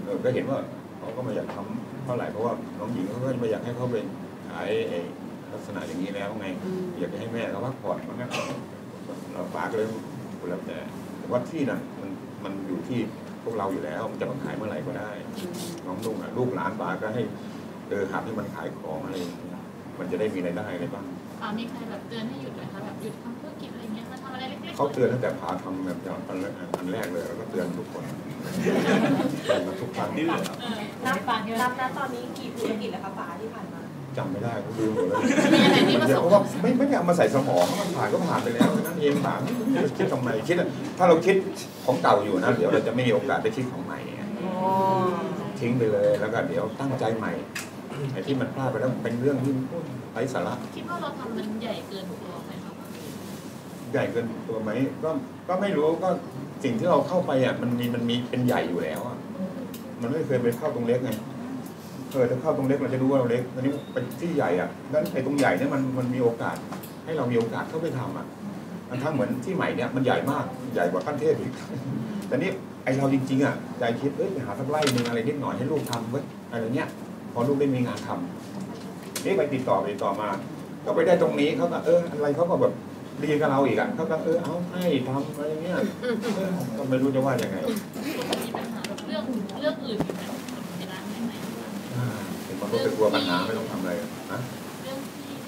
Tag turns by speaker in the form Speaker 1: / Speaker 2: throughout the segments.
Speaker 1: ก็เห็นว่าเขาก็ไม่อยากทำเท่าไหร่เพราะว่าน้องหญิงเขาก็ไม่อยากให้เขาไปขายลักษณะอย่างนี้แล้วไงอยากจะให้แม่เขาพักผ่อนเพราะงั้นเราฝากเลยแล้วแต่ว่าที่น่ะมันอยู่ที่พวกเราอยู่แล้วมันจะมาขายเมื่อไหร่ก็ได้น้องลุงลูกหลานป๋าก็ให้หัดให้มันขายของอะไรมันจะได้มีรายได้อะไรบ้าง
Speaker 2: มีใครแบบเตือนให้หยุดไหมคะแบบหยุดทำธุรกิจอะไรเงี้ยมาทำอะไรเล็กๆ
Speaker 1: เขาเตือนตั้งแต่พาทำแบบอันแรกเลยแล้วก็เตือนทุกคนเตือนมาทุกครั้ง
Speaker 3: นับนะตอนนี้กี่ธุรกิจแล้วคะป๋าที่ผ่านมา
Speaker 1: จำไม่ได้ผมลืมหมดเลยเพราะว่าไม่ได้เอามาใส่สมองมันผ่านก็ผ่านไปแล้วนั่นเองผ่านคิดทำไมคิดถ้าเราคิดของเก่าอยู่นะเดี๋ยวเราจะไม่มีโอกาสได้คิดของใหม่ทิ้งไปเลยแล้วก็เดี๋ยวตั้งใจใหม่ไอ้ที่มันพลาดไปแล้วเป็นเรื่องที่ไร้สาระ
Speaker 2: คิดว่าเราทำมันใหญ่เกินตัวไหมครับ
Speaker 1: ใหญ่เกินตัวไหมก็ไม่รู้ก็สิ่งที่เราเข้าไปอ่ะมันมีเป็นใหญ่อยู่แล้วอ่ะมันไม่เคยไปเข้าตรงเล็กไงถ้าเข้าตรงเล็กเราจะรู้ว่าเราเล็กตอนนี้เป็นที่ใหญ่อ่ะงั้นไอ้ตรงใหญ่เนี่ยมันมีโอกาสให้เรามีโอกาสเข้าไปทำอ่ะมันทั้งเหมือนที่ใหม่เนี่ยมันใหญ่มากใหญ่กว่าขั้นเทพอีกแต่นี่ไอเราจริงๆอ่ะใจคิดไปหาสักไร่นึงอะไรนิดหน่อยให้ลูกทำไว้อะไรเงี้ยพอลูกได้มีงานทำนี่ไปติดต่อมาก็ไปได้ตรงนี้เขาก็อะไรเขาก็แบบดีกับเราอีกอ่ะเขาก็เอาให้ทำอะไรเงี้ยก็ไม่รู้จะว่ายังไง
Speaker 2: มีปัญหาแบบเรื่องอื่นอยู่ไหมในร้านไหน
Speaker 1: เห็นมันก็เป็นกลัวปัญหาไม่ต้องทำอะไรนะ
Speaker 2: เรื่อง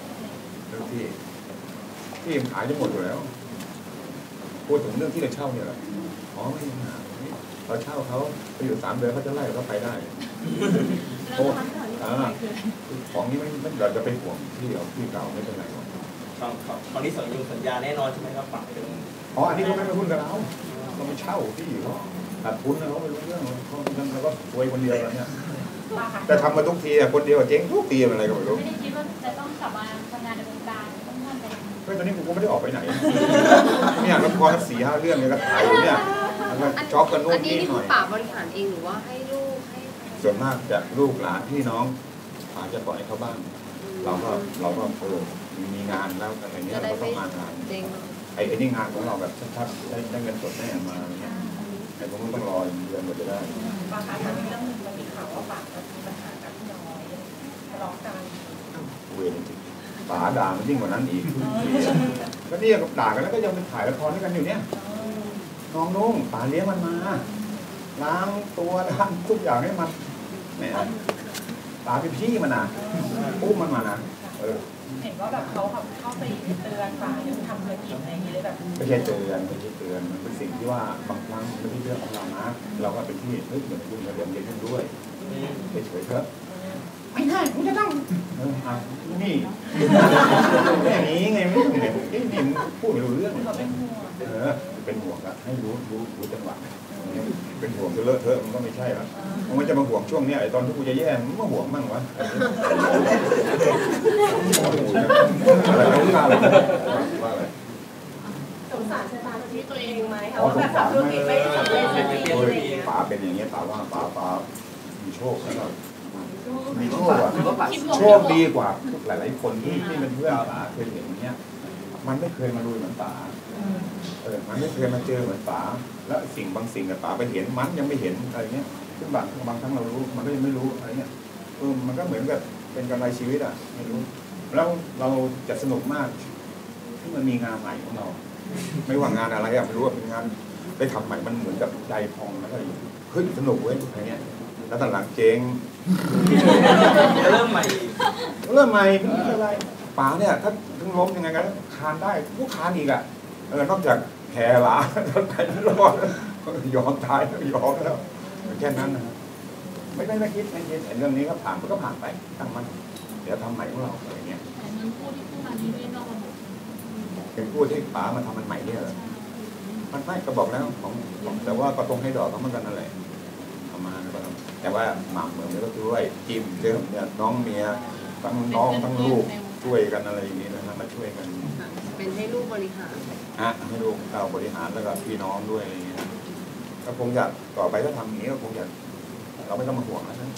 Speaker 1: ที่ขายจะหมดอยู่แล้วพูดถึงเรื่องที่เราเช่าเนี่ยอ๋อไม่มีปัญหาเราเช่าเขาไปอยู่3 เดือนเขาจะไล่เราไปได้ของนี้ไม่เราจะไปห่วงที่เก่าไม่เป็นไรหรอก
Speaker 4: ตอนนี้สัญญาแน่นอนใช่ไหมครับป๋า
Speaker 1: อันนี้เขาไม่มาพูดกับเราไม่เช่าที่อยู่เขาขาดทุนนะเขาไม่รู้เรื่องเขาแล้วก็รวยคนเดียวแล้วเนี่ยแต่ทำมาทุกทีคนเดียวเจ๊งทุกทีอะไรก็ไม่รู้
Speaker 2: ไม่ได้คิดว่าจะต้องกลับมาทำงานในวงการต้องทำอะไร
Speaker 1: ก็ตอนนี้ผมก็ไม่ได้ออกไปไหนเนี่ยละคร4-5 เรื่องเนี่ยก็ถ่ายอยู่เนี่ยช็อปกันนู่นนี่หน่อย
Speaker 3: ป๋าบริหารเองหรือว่าให้ลูกให้
Speaker 1: ส่วนมากจะลูกหลานพี่น้องอาจจะปล่อยเขาบ้างเราก็มีงานแล้วอะไรเงี้ยเราต้องมางานไอ้นี่งานของเราแบบชัดๆได้เงินสดแน่มาอะไรเงี้ยไอ้ผมต้องรอเดือนกว่าจะได้
Speaker 3: ป๋าคะตอนนี้เรื่องนึงมันมีข่าวว่าป๋าจะมีปัญหากับพี่น้อยทะเลาะกัน
Speaker 1: เวรจริงป๋าด่ามันยิ่งกว่านั้นอีกก็เนี่ยกับด่ากันแล้วก็ยังไปถ่ายละครด้วยกันอยู่เนี่ยน้องนุ่งป๋าเลี้ยงมันมาล้างตัวล้างทุกอย่างให้มันเนี่ยป๋าเป็นพี่มันนะอุ้มมันมานะ
Speaker 3: เห็นว่าแบบเขาเข้าไปเตือนป๋ายังทำธุรกิจอะไรอย่างเงี้ยเลยแบบ
Speaker 1: ไม่ใช่เตือนมันเป็นสิ่งที่ว่าบางครั้งไม่ใช่เรื่องของเรานะเราก็เป็นที่เหมือนคุณมาเรียนขึ้นด้วยเฉยๆเถอะไม่ได้คุณจะต้องนี่อย่างนี้ไงไม่ต้องเนี่ยนี่พูดไม่รู้เรื่องเป็นห่วงอะให้รู้จังหวะเป็นห่วงจะเลอะเทอะมันก็ไม่ใช่ละมันจะมาห่วงช่วงนี้ไอ้ตอนที่กูจะแย่มันมาห่วงมั่งวะอะไรว่าอะไร
Speaker 3: สงสารชะตาชีวิตตัวเองไหมคะว่าแบบธุรกิจไม่สำเร็จสักทีอะไรอย่างเงี้ย
Speaker 1: ป๋าเป็นอย่างเงี้ยป๋าว่าป๋ามีโชคแล้วมีโชคอะโชคดีกว่าหลายๆคนที่เป็นเพื่อนป๋าเคยเห็นอย่างเงี้ยมันไม่เคยมาลุยเหมือนป๋ามันไม่เคยมาเจอเหมือนป๋าแล้วบางสิ่งป๋าไปเห็นมันยังไม่เห็นอะไรเงี้ยซึ่งบางครั้งเรารู้มันก็ยังไม่รู้อะไรเงี้ยมันก็เหมือนกับเป็นกำไรชีวิตอ่ะไม่รู้แล้วเราจะสนุกมากที่มันมีงานใหม่ของเราไม่ว่างานอะไรไม่รู้ว่าเป็นงานได้ทำใหม่มันเหมือนกับใจพองแล้วก็เฮ้ยสนุกเว้ยอะไรเงี้ยแล้วตอนหลังเจ๊ง
Speaker 4: เริ่มใหม่
Speaker 1: ไม่เป็นไรป๋าเนี่ยถ้าถึงล้มยังไงกันคานได้ผู้คานอีกอ่ะนอกจากแผลหลาไปรอดยอมตายยอมแล้วแค่นั้นนะครับไม่คิดเรื่องนี้ก็ผ่านมันก็ผ่านไปตั้งมันเดี๋ยวทำใหม่ของเราอะไรเงี้ย
Speaker 2: เงินกู้ที่กู้มานี้ไม่นอกระบบ
Speaker 1: เป็นกู้ที่ป๋ามาทำมันใหม่เนี่ยเหรอมันไม่ก็บอกแล้วของแต่ว่าก็ต้องให้ดอกเขาเหมือนกันนั่นแหละประมาณนั้นแต่ว่าหม่ำเหมือนก็ช่วยจิ้มเรื่องเนี่ยน้องเมียทั้งน้องทั้งลูกช่วยกันอะไรอย่างนี้นะครับมาช่วยกัน
Speaker 3: เป็นให้ลูกบริหาร
Speaker 1: ให้ลูกเราบริหารแล้วก็พี่น้องด้วยอะไรอย่างเงี้ยก็คงจะต่อไปถ้าทำอย่างนี้ก็คงจะเราไม่ต้องมาห่วงแล้วนะ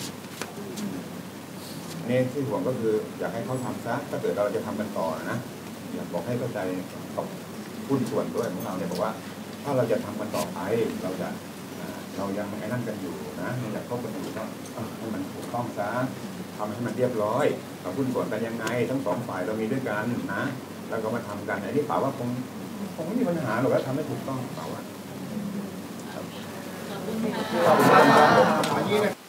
Speaker 1: นี่ที่ห่วงก็คืออยากให้เขาทำซะถ้าเกิดเราจะทำกันต่อนะอยากบอกให้เข้าใจกับหุ้นส่วนด้วยของเราเนี่ยบอกว่าถ้าเราจะทำกันต่อไปเราจะเรายังไอ้นั่นกันอยู่นะอยากคบกันอยู่ก็ให้มันถูกต้องซะทำให้มันเรียบร้อยเราหุ้นส่วนกันยังไงทั้งสองฝ่ายเรามีด้วยกันนะแล้วก็มาทำกันอันนี้ป่าว่าคงไม่มีปัญหาหรอกแล้วทำให้ถูกต้องป่าว่า
Speaker 2: ขอบคุณค่ะ
Speaker 1: ขอบคุณครับ